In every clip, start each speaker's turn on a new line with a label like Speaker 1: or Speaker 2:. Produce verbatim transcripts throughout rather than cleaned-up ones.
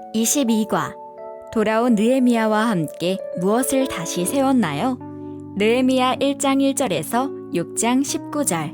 Speaker 1: 이십이 과 돌아온 느헤미야와 함께 무엇을 다시 세웠나요? 느헤미야 일 장 일 절에서 육 장 십구 절.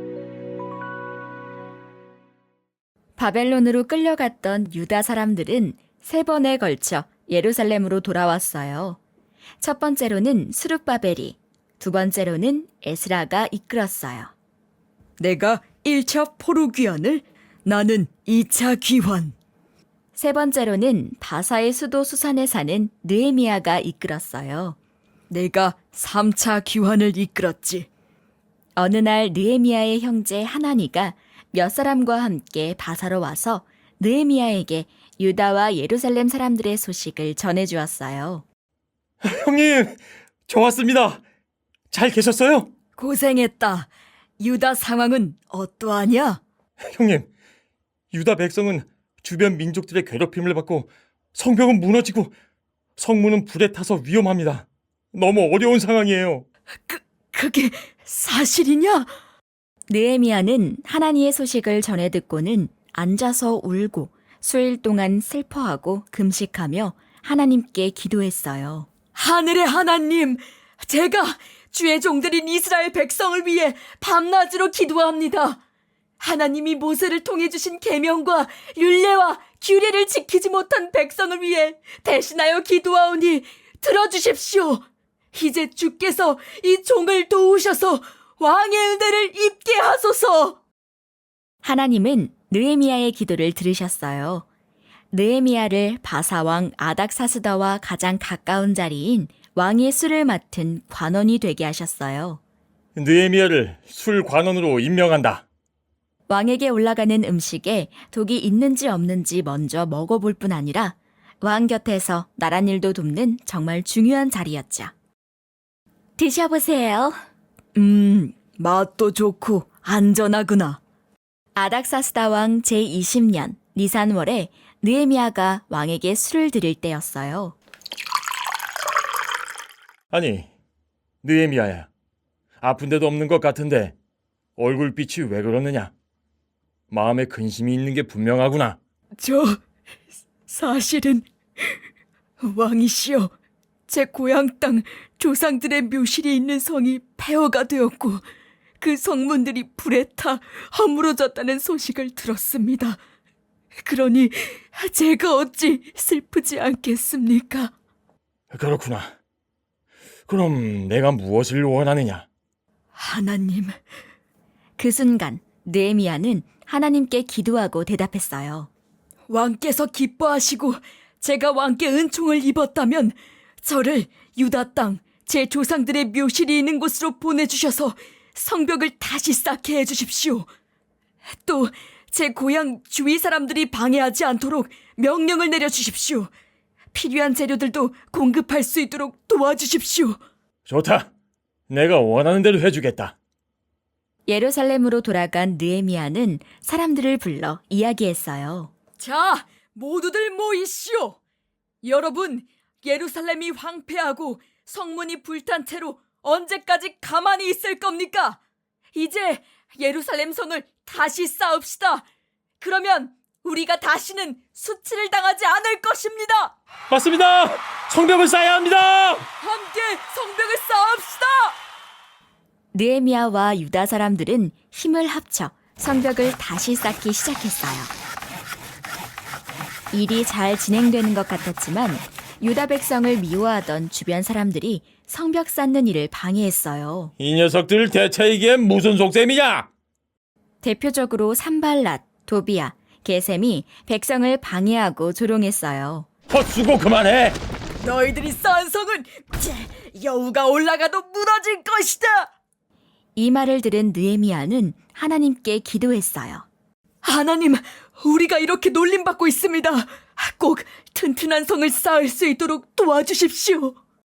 Speaker 1: 바벨론으로 끌려갔던 유다 사람들은 세 번에 걸쳐 예루살렘으로 돌아왔어요. 첫 번째로는 스룹바벨이, 두 번째로는 에스라가 이끌었어요.
Speaker 2: 내가 일 차 포로 귀환을, 나는 이 차 귀환.
Speaker 1: 세 번째로는 바사의 수도 수산에 사는 느헤미야가 이끌었어요.
Speaker 2: 내가 삼 차 귀환을 이끌었지.
Speaker 1: 어느 날 느헤미야의 형제 하나니가 몇 사람과 함께 바사로 와서 느헤미야에게 유다와 예루살렘 사람들의 소식을 전해주었어요.
Speaker 3: 형님, 저 왔습니다. 잘 계셨어요?
Speaker 2: 고생했다. 유다 상황은 어떠하냐?
Speaker 3: 형님, 유다 백성은 주변 민족들의 괴롭힘을 받고 성벽은 무너지고 성문은 불에 타서 위험합니다. 너무 어려운 상황이에요.
Speaker 2: 그, 그게 사실이냐?
Speaker 1: 느헤미야는 하나님의 소식을 전해 듣고는 앉아서 울고 수일 동안 슬퍼하고 금식하며 하나님께 기도했어요.
Speaker 2: 하늘의 하나님, 제가 주의 종들인 이스라엘 백성을 위해 밤낮으로 기도합니다. 하나님이 모세를 통해 주신 계명과 율례와 규례를 지키지 못한 백성을 위해 대신하여 기도하오니 들어주십시오. 이제 주께서 이 종을 도우셔서 왕의 은혜를 입게 하소서.
Speaker 1: 하나님은 느헤미야의 기도를 들으셨어요. 느헤미야를 바사왕 아닥사스다와 가장 가까운 자리인 왕의 술을 맡은 관원이 되게 하셨어요.
Speaker 3: 느헤미야를 술 관원으로 임명한다.
Speaker 1: 왕에게 올라가는 음식에 독이 있는지 없는지 먼저 먹어볼 뿐 아니라 왕 곁에서 나란 일도 돕는 정말 중요한 자리였죠. 드셔보세요.
Speaker 2: 음, 맛도 좋고 안전하구나.
Speaker 1: 아닥사스다 왕 제이십 년 니산월에 느헤미야가 왕에게 술을 드릴 때였어요.
Speaker 3: 아니, 느헤미야야. 아픈 데도 없는 것 같은데 얼굴빛이 왜 그러느냐? 마음에 근심이 있는 게 분명하구나.
Speaker 2: 저 사실은 왕이시여, 제 고향 땅 조상들의 묘실이 있는 성이 폐허가 되었고 그 성문들이 불에 타 허물어졌다는 소식을 들었습니다. 그러니 제가 어찌 슬프지 않겠습니까?
Speaker 3: 그렇구나. 그럼 내가 무엇을 원하느냐?
Speaker 2: 하나님,
Speaker 1: 그 순간 느헤미야는 하나님께 기도하고 대답했어요.
Speaker 2: 왕께서 기뻐하시고 제가 왕께 은총을 입었다면 저를 유다 땅 제 조상들의 묘실이 있는 곳으로 보내주셔서 성벽을 다시 쌓게 해주십시오. 또 제 고향 주위 사람들이 방해하지 않도록 명령을 내려주십시오. 필요한 재료들도 공급할 수 있도록 도와주십시오.
Speaker 3: 좋다. 내가 원하는 대로 해주겠다.
Speaker 1: 예루살렘으로 돌아간 느헤미야는 사람들을 불러 이야기했어요.
Speaker 2: 자, 모두들 모이시오. 여러분, 예루살렘이 황폐하고 성문이 불탄 채로 언제까지 가만히 있을 겁니까? 이제 예루살렘 성을 다시 쌓읍시다. 그러면 우리가 다시는 수치를 당하지 않을 것입니다.
Speaker 3: 맞습니다. 성벽을 쌓아야 합니다.
Speaker 2: 함께 성벽을 쌓읍시다.
Speaker 1: 느헤미야와 유다 사람들은 힘을 합쳐 성벽을 다시 쌓기 시작했어요. 일이 잘 진행되는 것 같았지만 유다 백성을 미워하던 주변 사람들이 성벽 쌓는 일을 방해했어요.
Speaker 3: 이 녀석들 대체 이게 무슨 속셈이냐?
Speaker 1: 대표적으로 산발랏, 도비야, 게셈이 백성을 방해하고 조롱했어요.
Speaker 3: 헛수고 그만해.
Speaker 2: 너희들이 쌓은 성은 여우가 올라가도 무너질 것이다.
Speaker 1: 이 말을 들은 느헤미야는 하나님께 기도했어요.
Speaker 2: 하나님, 우리가 이렇게 놀림받고 있습니다. 꼭 튼튼한 성을 쌓을 수 있도록 도와주십시오.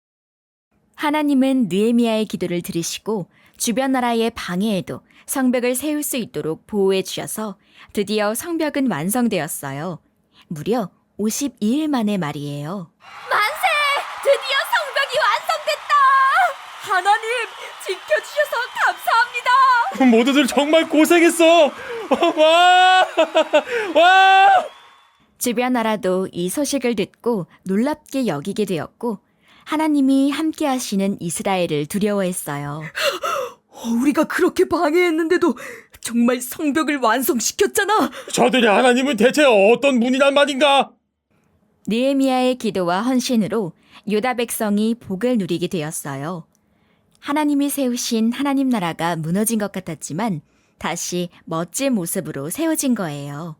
Speaker 1: 하나님은 느헤미야의 기도를 들으시고 주변 나라의 방해에도 성벽을 세울 수 있도록 보호해 주셔서 드디어 성벽은 완성되었어요. 무려 오십이 일 만에 말이에요.
Speaker 2: 만세! 드디어 성벽이 완성됐다! 하나님, 지켜주셔서 감사합니다.
Speaker 3: 모두들 정말 고생했어. 와! 와!
Speaker 1: 주변 나라도 이 소식을 듣고 놀랍게 여기게 되었고 하나님이 함께 하시는 이스라엘을 두려워했어요.
Speaker 2: 어, 우리가 그렇게 방해했는데도 정말 성벽을 완성시켰잖아.
Speaker 3: 저들의 하나님은 대체 어떤 분이란 말인가?
Speaker 1: 느헤미야의 기도와 헌신으로 유다 백성이 복을 누리게 되었어요. 하나님이 세우신 하나님 나라가 무너진 것 같았지만 다시 멋진 모습으로 세워진 거예요.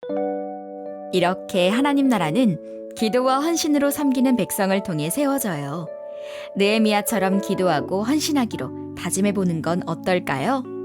Speaker 1: 이렇게 하나님 나라는 기도와 헌신으로 섬기는 백성을 통해 세워져요. 느헤미야처럼 기도하고 헌신하기로 다짐해 보는 건 어떨까요?